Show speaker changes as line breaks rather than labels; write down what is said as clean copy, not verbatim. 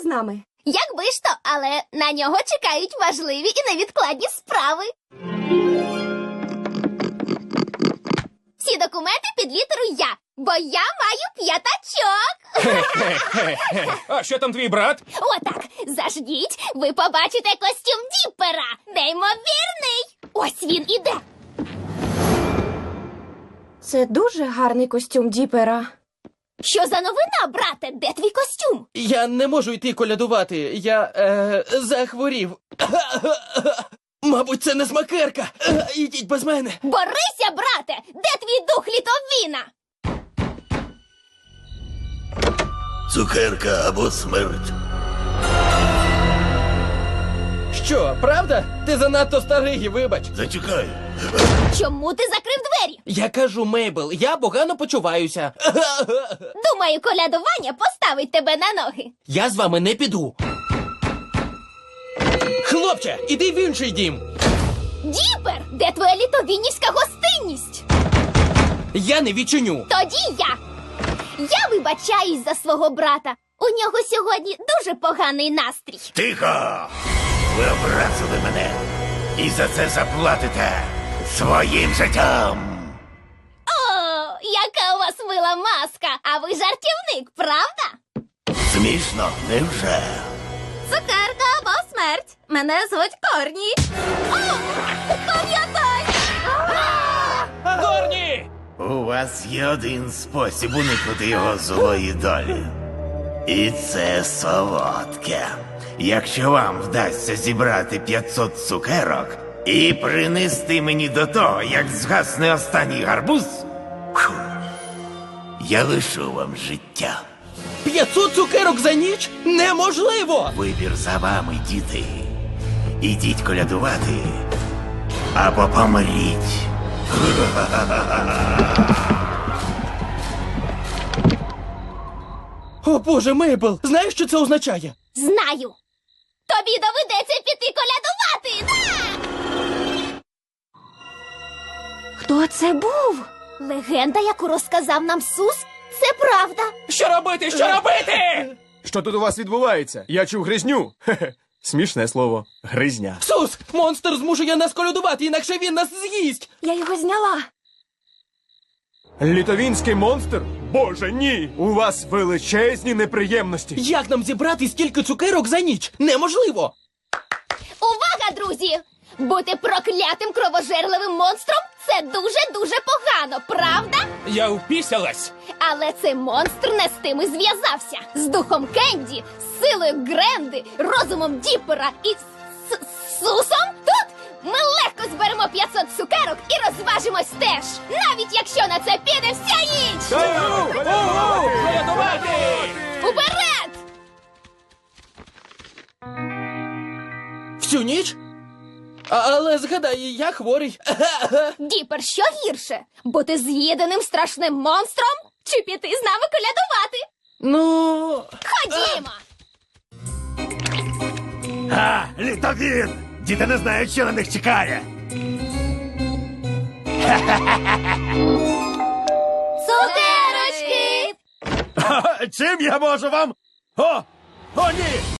нами?
Якби ж то, але на нього чекають важливі і невідкладні справи. Всі документи під літеру «Я», бо я маю п'ятачок.
А що там твій брат?
Отак, заждіть, ви побачите костюм Діппера. Неймовірний. Ось він іде.
Це дуже гарний костюм Діпера.
Що за новина, брате? Де твій костюм?
Я не можу йти колядувати. Я захворів. Мабуть, це не смакерка. Ідіть без мене.
Борися, брате! Де твій дух літовіна?
Цукерка або смерть.
Що, правда? Ти занадто старий, вибач.
Зачекай.
Чому ти закрив двері?
Я кажу, Мейбл, я погано почуваюся.
Думаю, колядування поставить тебе на ноги.
Я з вами не піду. Хлопче, іди в інший дім.
Діппер, де твоя літовінівська гостинність?
Я не відчиню.
Тоді я. Я вибачаюсь за свого брата. У нього сьогодні дуже поганий настрій.
Тихо! Ви образили мене. І за це заплатите своїм життям.
О, яка у вас мила маска. А ви жартівник, правда?
Смішно, невже?
Цукерка або смерть. Мене звуть Корні. О, пам'ятай!
Корні!
У вас є один спосіб уникнути його злої долі. І це солодке. Якщо вам вдасться зібрати 500 цукерок і принести мені до того, як згасне останній гарбуз, фу, я лишу вам життя.
500 цукерок за ніч? Неможливо!
Вибір за вами, діти. Ідіть колядувати або помріть.
О, Боже, Мейбл, знаєш, що це означає?
Знаю. Тобі доведеться піти колядувати.
Хто це був?
Легенда, яку розказав нам Сус, це правда.
Що робити? Що робити?
Що тут у вас відбувається? Я чув гризню. Хе-хе. Смішне слово. Гризня.
Сус, монстр змушує нас колядувати, інакше він нас з'їсть.
Я його зняла.
Літовінський монстр? Боже, ні! У вас величезні неприємності.
Як нам зібрати стільки цукерок за ніч? Неможливо!
Увага, друзі! Бути проклятим кровожерливим монстром – це дуже-дуже погано, правда?
Я впісялась.
Але цей монстр не з тим і зв'язався. З духом Кенді, з силою Гренди, розумом Діппера і Сусом тут ми легко зберемо 500 цукерок і розважимось теж. Навіть якщо на це піде вся ніч.
Колядувати!
Уперед!
Всю ніч? Але згадай, я хворий.
Діппер, що гірше? Бути з'їденим страшним монстром? Чи піти з нами колядувати?
Ну...
Ходімо!
Літовін! Діти не знають, що на них чекає.
Цукерочки!
Чим я можу вам? О, ні!